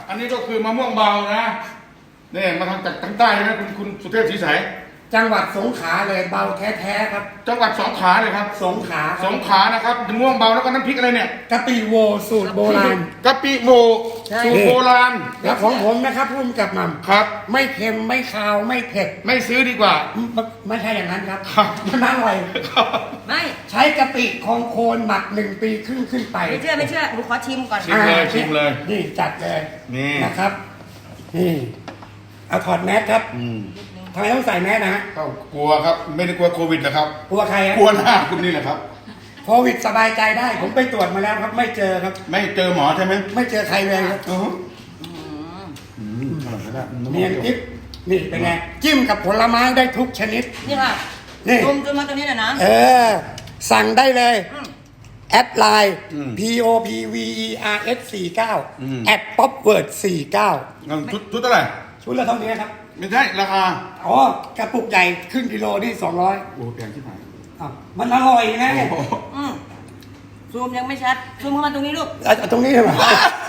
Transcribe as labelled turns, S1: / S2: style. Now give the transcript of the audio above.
S1: อันนี้ก็คือมะม่วงเบานะนี่มาทางจากทางใต้นะคุณสุเทพศรีใส
S2: จังหวัดสงขลาเลยเบาแท้ๆครับ
S1: จังหวัดสงขลาเลยครับ
S2: สงขลา
S1: สงขลานะครับมะม่วงเบาแล้วก็น้ำพริกอะไรเนี่ย
S2: กะปิโวสูตรโบราณ
S1: กะปิโม
S2: ใช่
S1: สูตรโบราณ
S2: แล้วของผมนะครับพุ่มกับหม่ำ
S1: ครับ
S2: ไม่เค็มไม่คาวไม่เผ็ด
S1: ไม่ซื้อดีกว่า
S2: ไม่ใช่อย่างนั้นครับ
S1: ครับ
S2: มันอร่อย
S3: ไม่
S2: ใช้กะปิของโคนหมัก1 ปีครึ่งขึ้นไป
S3: ไม่เชื่อหนูขอชิมก่อน
S1: ชิมเลยชิมเลย
S2: นี่จัดเลย
S1: นี่
S2: นะครับนี่เอาถอดแมสครับ
S1: อืม
S2: ทำไมต้องใส่แมสนะฮะ
S1: ก็กลัวครับไม่ได้กลัวโควิดนะครับ
S2: กลัวใครฮะ
S1: กลัวหน้าคุณนี่แหละครับ
S2: โควิดสบายใจได้ ผมไปตรวจมาแล้วครับ ไม่เจอครับ
S1: ไม่เจอหมอใช่ไหม
S2: ไม่เจอใครเลยครับ
S1: อือฮึอร่อยก็ได้
S2: เนียนกิ๊บนี่เป็นไงจิ้มกับผลไม้ได้ทุกชนิด
S3: นี่ค่ะ
S2: นี่
S3: จุ่มมาตรงนี้หน่อยนะ
S2: สั่งได้เลย
S3: อืม
S2: แอดไลน์ POPVERS 49แอด POPWORD 49
S1: งั้นชุดเท่าไหร่
S2: ชุดละเท่านี้ครับ
S1: ไม่ใช่ราคา
S2: อ๋อกระปุกใหญ่ครึ่งกิโลนี่200
S1: โอ้แพงที่ไหน
S2: อ้าวมันอร่อยไง
S1: โอ้โห
S3: อืมซูมยังไม่ชัดซูมเข้ามาตรงนี้ลูก
S2: เอาตรงนี้ใช่ไหม